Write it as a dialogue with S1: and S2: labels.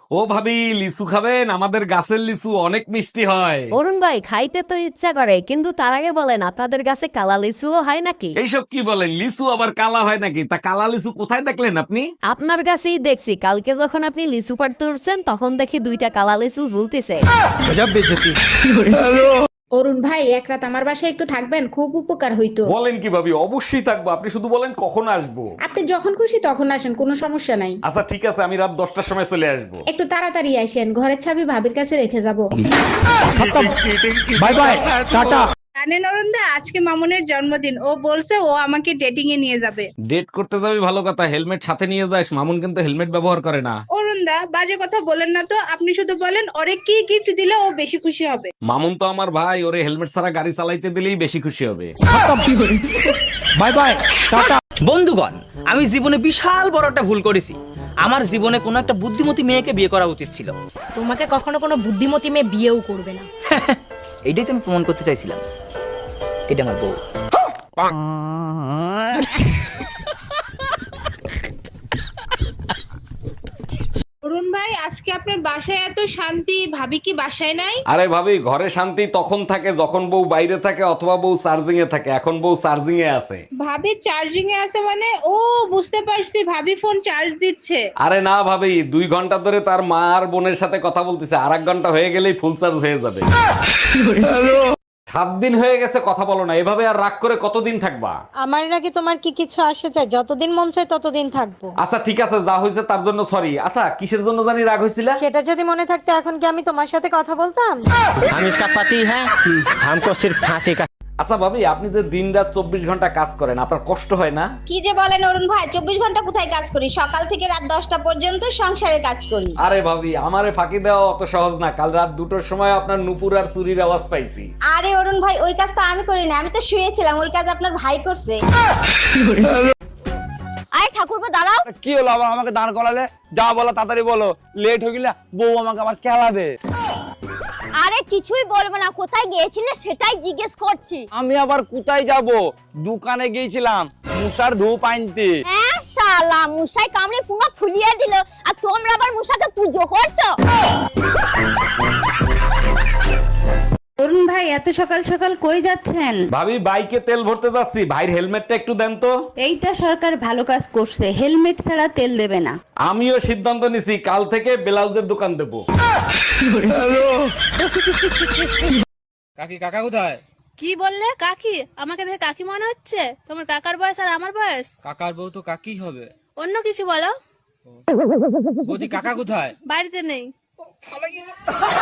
S1: ও ভাবি, লিচু খাবেন? আমাদের গাছের লিচু অনেক মিষ্টি হয়।
S2: অরুণ ভাই, খাইতে তো ইচ্ছা করে, কিন্তু তার আগে বলেন আপনাদের কাছে কালা লিচুও হয় নাকি?
S1: এইসব কি বলেন? লিচু আবার কালা হয় নাকি? তা কালা লিচু কোথায় দেখলেন আপনি?
S2: আপনার কাছেই দেখছি, কালকে যখন আপনি লিচু পাড়তে উঠছেন তখন দেখি দুইটা কালা লিচু ঝুলতেছে।
S3: অরুণ ভাই, এক রাত আমার বাসায় একটু থাকবেন, খুব উপকার হইতো।
S1: বলেন কি ভাবি, অবশ্যই থাকবো। আপনি শুধু বলেন কখন আসবো।
S3: আপনি যখন খুশি তখন আসেন, কোনো সমস্যা নাই।
S1: আচ্ছা ঠিক আছে, আমি রাত 10টার সময় চলে আসবো।
S3: একটু তাড়াতাড়ি আসেন, ঘরের চাবি ভাবির কাছে রেখে যাব।
S4: Bye bye, tata.
S5: জানেন অরুণদা, আজকে মামুনের জন্মদিন। ও বলছে ও আমাকে ডেটিং এ নিয়ে যাবে।
S1: ডেট করতে যাবি ভালো কথা, হেলমেট সাথে নিয়ে যাস। মামুন কিন্তু হেলমেট ব্যবহার করে না।
S5: অরুণদা, বাজে কথা বলেন না তো। আপনি শুধু বলেন ওরে কি গিফট দিলে ও বেশি খুশি হবে।
S1: মামুন তো আমার ভাই, ওরে হেলমেট ছাড়া গাড়ি চালাইতে দিলেই বেশি খুশি হবে।
S4: Bye bye, tata.
S6: বন্ধুগণ, আমি জীবনে বিশাল বড় একটা ভুল করেছি। আমার জীবনে কোনো একটা বুদ্ধিমতী মেয়েকে বিয়ে করা উচিত ছিল।
S7: তোমাকে কখনো কোনো বুদ্ধিমতী মেয়ে বিয়েও করবে না।
S6: এইটাই তো আমি প্রমাণ করতে চাইছিলাম। এটা আমার বউ।
S5: অরুণ ভাই, আজকে আপনার বাসায় এত শান্তি, ভাবি কি বাসায় নাই?
S1: আরে ভাবি, ঘরে শান্তি তখন থাকে যখন বউ বাইরে থাকে অথবা বউ চার্জিং এ থাকে। এখন বউ চার্জিং এ আছে।
S5: ভাবি চার্জিং এ আছে মানে? ও, বুঝতে পারছি, ভাবি ফোন চার্জ দিচ্ছে।
S1: আরে না ভাবি, 2 ঘন্টা ধরে তার মা আর বোনের সাথে কথা বলতেছে। আর 1 ঘন্টা হয়ে গেলেই ফুল চার্জ হয়ে যাবে। 7 দিন হয়ে গেছে কথা বলো না। এভাবে আর রাগ করে কতদিন থাকবা?
S7: আমার নাকি তোমার কি কিছু আসে চাই? যতদিন মন চায় ততদিন থাকবো।
S1: আচ্ছা ঠিক আছে, যা হয়েছে তার জন্য সরি। আচ্ছা, কিসের জন্য জানি রাগ হয়েছিল?
S7: সেটা যদি মনে থাকতো এখন কি আমি তোমার সাথে কথা বলতাম?
S4: हम इसका पति है, हमको सिर्फ फांसी का।
S1: আচ্ছা ভাবি, আপনি যে দিন রাত 24 ঘন্টা কাজ করেন, আপনার কষ্ট হয় না?
S8: কি যে বলেন অরুণ ভাই, 24 ঘন্টা কোথায় কাজ করি? সকাল থেকে রাত 10টা পর্যন্ত সংসারে কাজ করি।
S1: আরে ভাবি, আমারে ফাঁকি দেওয়া অত সহজ না। কাল রাত 2টোর সময় আপনার নুপুর আর চুরির আওয়াজ পাইছি।
S8: আরে অরুণ ভাই, ওই কাজ তো আমি করি না, আমি তো শুয়েছিলাম। ওই কাজ আপনার ভাই করছে।
S2: আয় ঠাকুরপো, দাঁড়াও।
S4: কি হলো আবার আমাকে দাঁড় করালে? যা বলো তাড়াতাড়ি বলো, লেট হয়ে গেলে বউ আমাকে আবার খেলাবে।
S2: আরে কিছুই বলবো না, কোথায় গিয়েছিলে সেটাই জিজ্ঞেস করছি।
S4: আমি আবার কোথায় যাব? দোকানে গিয়েছিলাম মুসার ধূপ আনতে।
S2: হ্যাঁ শালা, মুসাই কামড়ে পুরো ফুলিয়ে দিল, আর তোমরা আবার মুসাকে পুজো করছো।
S3: অরুণ ভাই, এত সকাল সকাল কই যাচ্ছেন?
S1: ভাবি, বাইকে তেল ভরতে যাচ্ছি। ভাইয়ের হেলমেটটা একটু দেন তো।
S3: এইটা সরকার ভালো কাজ করছে, হেলমেট ছাড়া তেল দেবে না।
S1: আমিও সিদ্ধান্ত নিছি, কাল থেকে ব্লাউজের দোকান দেবো।
S4: কাকি, কাকা কোথায়?
S5: কি বললে? কাকি? আমাকে দেখে কাকি মনে হচ্ছে? তোমার কাকার বয়স আর আমার বয়স।
S4: কাকার বউ তো কাকি হবে।
S5: অন্য কিছু বলো।
S4: বৌদি, কাকা কোথায়?
S5: বাড়িতে নেই।